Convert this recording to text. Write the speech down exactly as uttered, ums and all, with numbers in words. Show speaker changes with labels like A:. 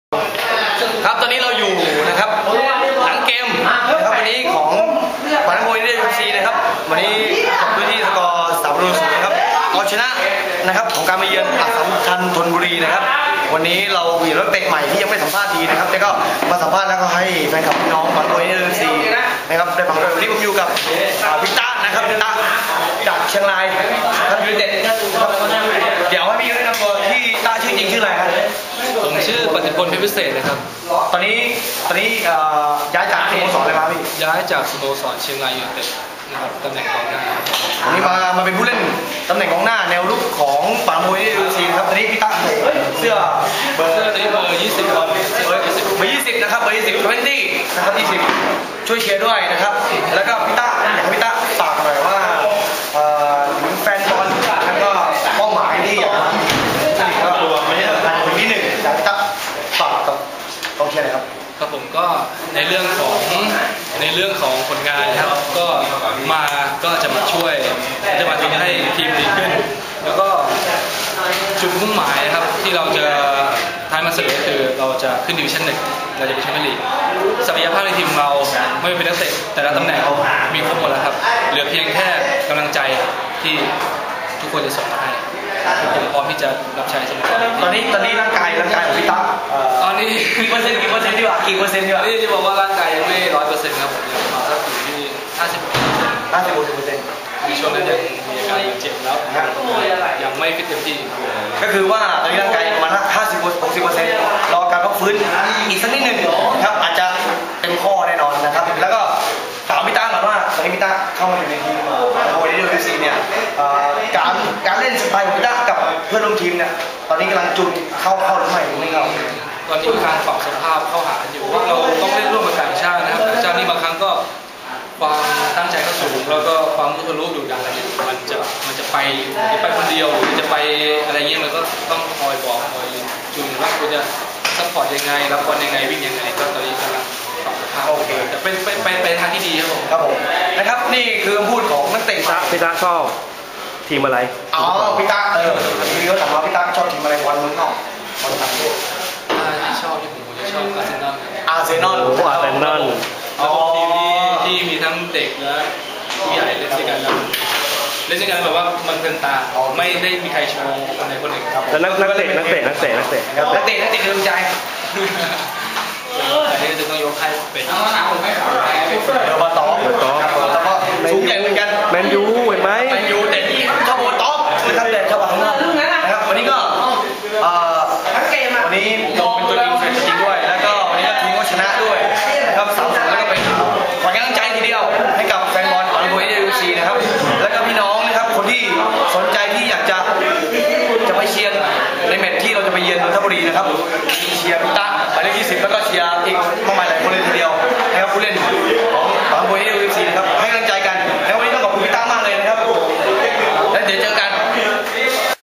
A: ครับตอนนี้เราอยู่นะครับหลังเกมนะครับวันนี้ของปานมวยเอฟซีนะครับวันนี้จบด้วยที่สกอร์สามประตูศูนย์นะครับเอาชนะนะครับของการมาเยือนอัสสัมชัญธนบุรีนะครับวันนี้เรามีรถเตะใหม่ที่ยังไม่สัมภาษณ์ทีนะครับแต่ก็มาสัมภาษณ์แล้วก็ให้แฟนคลับพี่น้องปานมวยเอฟซีนะครับได้ฟังด้วยวันนี้ผมอยู่กับพิต้านะครับพิต้าจากเชียงรายท่านยูไนเต็ดนะครับเดี๋ยวให้พี่แนะนำตัวที่ต้าชื่อจริงชื่ออะไรครับ
B: ผมชื่อปฏิพลเพชรพิเศษนะครับ
A: ตอนนี้ตอนนี้ย้ายจากสโมสรอะไรมาพี่
B: ย้ายจากสโมสรเชียงรายยูไนเต็ดนะครับตำแหน่งกองหน้า
A: วันนี้มามาเป็นผู้เล่นตำแหน่งกองหน้าแนวรุกของปานมวยเอฟซีครับตอนนี้พี่ตั้งเสื้อเบอร์
B: เสื้อตัวนี้เบอร์ยี่สิบครับเบอร์ยี่สิบ
A: เบอร์ยี่สิบนะครับเบอร์ยี่สิบยี่สิบนะครับยี่สิบช่วยเชียร์ด้วยนะครับแล้วก็พี่ตั้งอยากให้พี่ตั้งฝากหน่อยว่าถึงแฟนบอลแล้วก็เป้าหมายที่อยากก็ตัวไม่ใช่สำคัญคนที่หนึ่งอยากพี่ตั้งฝากกับกองเชียร์หน่อยครับ
B: ครับผมก็ในเรื่องของในเรื่องของผลงานนะครับก็มาก็จะมาช่วยจะมาทำให้ทีมดีขึ้นแล้วก็จุดมุ่งหมายนะครับที่เราจะท้ายมาเสนอคือเราจะขึ้นดิวิชั่นหนึ่งเราจะไปแชมเปี้ยนลีกศักยภาพในทีมเราไม่เป็นนักเตะแต่ละตำแหน่งมีครบหมดแล้วครับเหลือเพียงแค่กำลังใจที่ทุกคนจะส่งมาให้ผมพร้อมที่จะรับใช้สโมสร
A: ตอนนี้ตอนนี้ร่างกายร่างกายของพี่ตั้ง
B: ตอนนี้
A: กี่เปอร์เซ็นต์กี่เปอร์เซ็นต์ดีกว่ากี่เปอร์เซ็นต์ดีกว่า
B: นี่จะบอกว่าร่างกายยังไม่ร้อยเปอร์เซ็นต์ครับผมยังมาสักอยู่ที่ห้าสิบ
A: ห้าสิบหกสิบเปอร์เซ็นต์
B: มีช่วงนั้นยังมีอาการเจ็บแล้วยังไม่ฟิตเต็มที่
A: ก็คือว่าตอนนี้ร่างกายประมาณห้าสิบหกสิบเปอร์เซ็นต์รอการพักฟื้นอีกสักนิดหนึ่งครับอาจจะเต็มข้อแน่นอนนะครับแล้วก็ถามพี่ตั้งก่อนว่าตอนนี้พี่ตั้งเข้ามาอยู่ในทีมโอ้ยเดลซีเนี่ยการการเล่นสไตล์ของพี่ตั้งกับเพื่อนร่วมทีมเนี่ยตอนนี้กำลังจุนเข้าเข้าหรือไม่ไม่เข้า
B: ตอนนี้การปรับสภาพเข้าหาอยู่ว่าเราต้องเล่นร่วมกับต่างชาตินะครับต่างชาตินี่บางครั้งก็ความตั้งใจก็สูงแล้วก็ความมุทะลุดุดันอะไรมันจะมันจะไปจะไปคนเดียวหรือจะไปอะไรเงี้ยมันก็ต้องคอยบอกคอยจูนว่าคุณจะซัพพอร์ตยังไงรับบอลยังไงวิ่งยังไงก็ตอนนี้กำลังปรับสภาพโอเคแต่เป็นไปไปไปทางที่ดีครับผม
A: ครับผมนะครับนี่คือคำพูดของนักเตะ
C: พี่ตาชอบทีมอะไร
A: อ๋อพี่ตาเออมีเขาถามว่าพี่ตาชอบทีมอะไรวันมึงนอกวันต่างประเทศ
B: ที่ชอบที่ผมจะชอบอาร์เซนอล
A: อาร์เซนอล
C: โอ้อาร์เซนอล
B: แล้วทีมที่ที่มีทั้งเด็กและผู้ใหญ่เล่นด้วยกันแล้วเล่นด้วยกันแบบว่ามันเป็นตาไม่ได้มีใครโชว์คนใดคนหนึ่งครับ
C: แล้วนักนักเตะนักเตะนักเตะนักเตะ
A: นักเตะนักเตะกำลังใจ
B: อันนี้จะต้องยกให้เป็นเ
A: ดี๋ยวมาต่อ
C: ต่อ
A: แล้วก็สูงใหญ่เหมือนกัน
C: แมนยูเห็นไหม
A: แมนยูแต่ที่ชอบโอท็อปนะครับแต่ชอบข้างนอกนะครับวันนี้ก็วันนี้ลงเป็นตัวจริงเป็นตัวจริงด้วยแล้วก็วันนี้ก็ทีมก็ชนะด้วยนะครับสามสองแล้วก็เป็นขวัญกำลังใจทีเดียวให้กับแฟนบอลปานมวยเอฟซีนะครับแล้วก็พี่น้องนะครับคนที่สนใจที่อยากจะจะไปเชียร์ในแมตช์ที่เราจะไปเยือนนนทบุรีนะครับเชียร์พิต้าหมายเลขยี่สิบ